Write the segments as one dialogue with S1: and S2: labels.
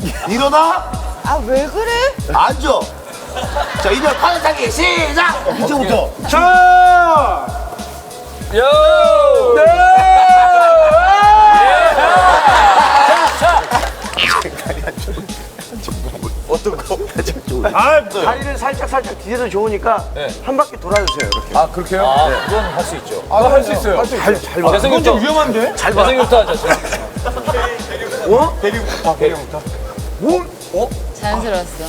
S1: 일어나.
S2: 아, 왜 그래?
S1: 앉아. 자, 이제 팔 타기 시작. 이제부터.
S3: 자!
S4: 요!
S3: 네!
S1: 어떤 거?
S3: 아,
S5: 다리를 살짝 뒤에서 좋으니까 한 바퀴 돌아주세요. 이렇게.
S4: 아, 그렇게요?
S5: 네.
S4: 그건 할 수 있죠.
S3: 아, 할 수 있어요.
S5: 잘 봐.
S3: 그건 좀 위험한데?
S4: 재생부터 하자.
S3: 대리부터.
S2: 자연스러웠어.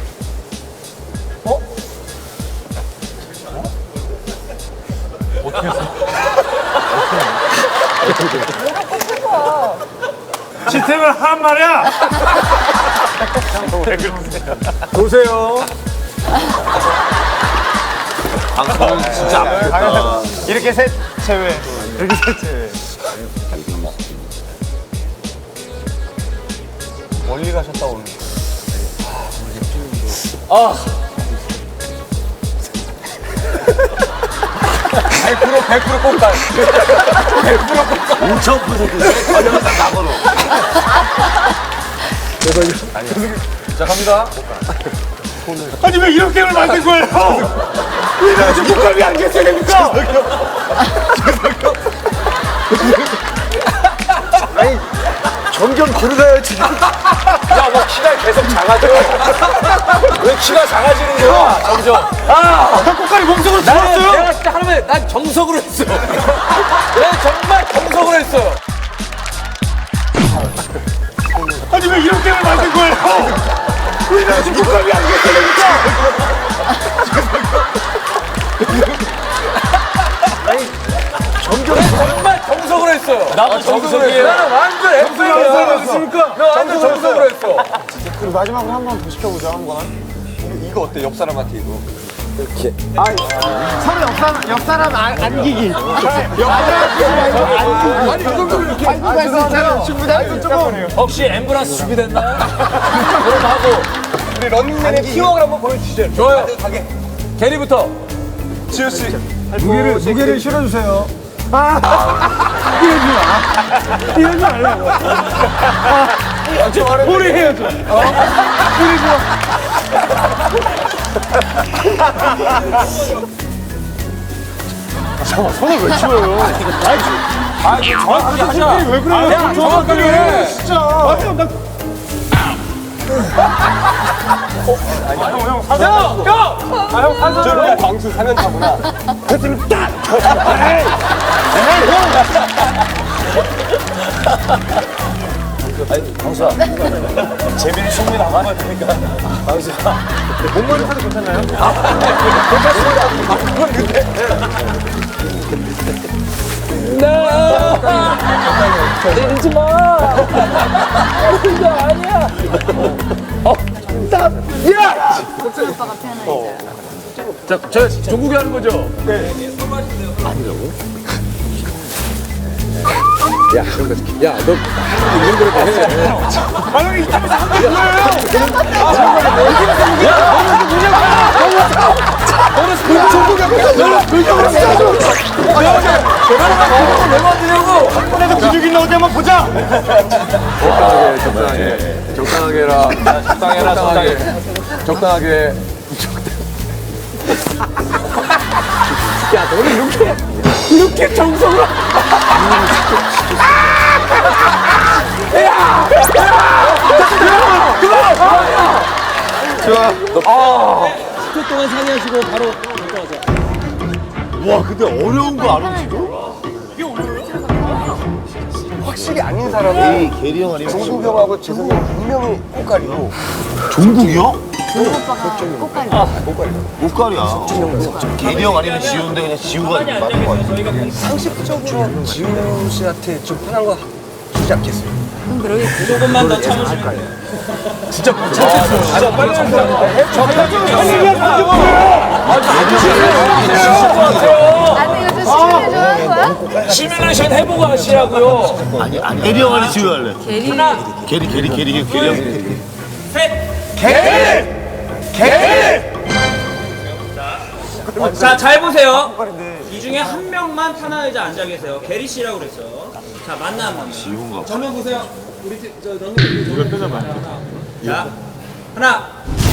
S3: 시스템을 한 말이야. 보세요.
S1: 방송은 진짜 아프겠다.
S3: 이렇게 셋 제외. 이렇게 셋 제외. 멀리 가셨다 오늘.
S4: 아, 100% 꼽다.
S1: 5,000% 관련상 나번호.
S4: 자, 갑니다.
S3: 아니 왜 이런 게임을 만든 거예요? 왜 이렇게 목감이 안 계셔야 됩니까?
S5: 점점 들어가요, 지금.
S4: 야, 뭐 키가 계속 작아져. 왜 키가 작아지는 거야, 점점.
S3: 나 꽃갈이 몸속으로 들어왔어요?
S4: 내가 진짜 하루에 난 정석으로 했어. 내가 정말 정석으로 했어요.
S3: 아니 왜 이런 게임을 만든 거예요? 왜 이렇게 목감이 안 계셔야 됩니까?
S4: 정말 정석으로 했어요. 나도 정석이에요. 나는 완전
S3: 정석이었습니까?
S4: 나 완전 정석으로 했어.
S5: 그리고 마지막으로 한 번 더 시켜보자, 한번.
S3: 이거 어때? 옆 사람한테 이거.
S5: 서로 옆사람 안기기. 아니, 그것도 이렇게. 알고 있었잖아요. 충분히 조금.
S4: 혹시 앰뷸런스 준비됐나요? 그럼 하고.
S3: 우리 런닝맨의 팀워크를 한번 보여주시죠.
S4: 좋아요. 게리부터.
S3: 지효 씨.
S5: 무게를 실어주세요.
S3: 이러지 말라고. 우리 해야죠. 우리 좋아. 손을 왜 치워요?
S4: 정확하게 하자.
S3: 왜 그래요?
S4: 야, 정확하게 해.
S3: 진짜. 맞아, 나. 형 산소. 저 광수 4년 차구나. 그랬으면 딱.
S4: 광수야. 재민이 충분히 나간 것 같으니까. 광수야.
S3: 몸머리 사도 괜찮나요?
S4: 때리지 마. 그거 아니야.
S2: 복준 오빠가 편하니까.
S4: 자, 저 종국이 하는 거죠?
S3: 아니, 이따가 상대 뭐예요?
S4: 왜 만드냐고?
S3: 그래도 근육 있나 어디 한번 보자.
S4: 적당하게 해라. 적당해. 적당하게. 야, 너는 이렇게 정석으로.
S1: 와, 근데 어려운 거 알아, 지금?
S5: 확실히 아닌 사람이
S1: 게리 형 아니면
S5: 종국 형하고 재석이 형 분명히 꽃갈이고.
S1: 종국이 형?
S2: 종 오빠가 꽃갈이.
S1: 옷갈이야. 게리 형 아니면 지우인데 그냥 지우가 맞는 거 같아.
S5: 상식적으로 지우 씨한테 좀 편한 거 주지 않겠어요?
S2: 그럼 그러겠지.
S6: 조금만 더 참으시면
S3: 진짜 못 참겠어요.
S2: 아니, 이거 좀 시간이 좋아하는 거야?
S4: 시뮬레이션 해보고 하시라고요.
S1: 아니, 게리 형 아니면 지우 할래.
S2: 게리.
S1: 게리 형.
S6: 자, 잘 보세요. 이 중에 한 명만 편한 의자 앉아 계세요. 게리 씨라고 그랬죠. 자, 만나.
S1: 지우인가 봐.
S6: 정면 보세요. 우리 저 너는 이걸 펴줘봐. 자, 하나,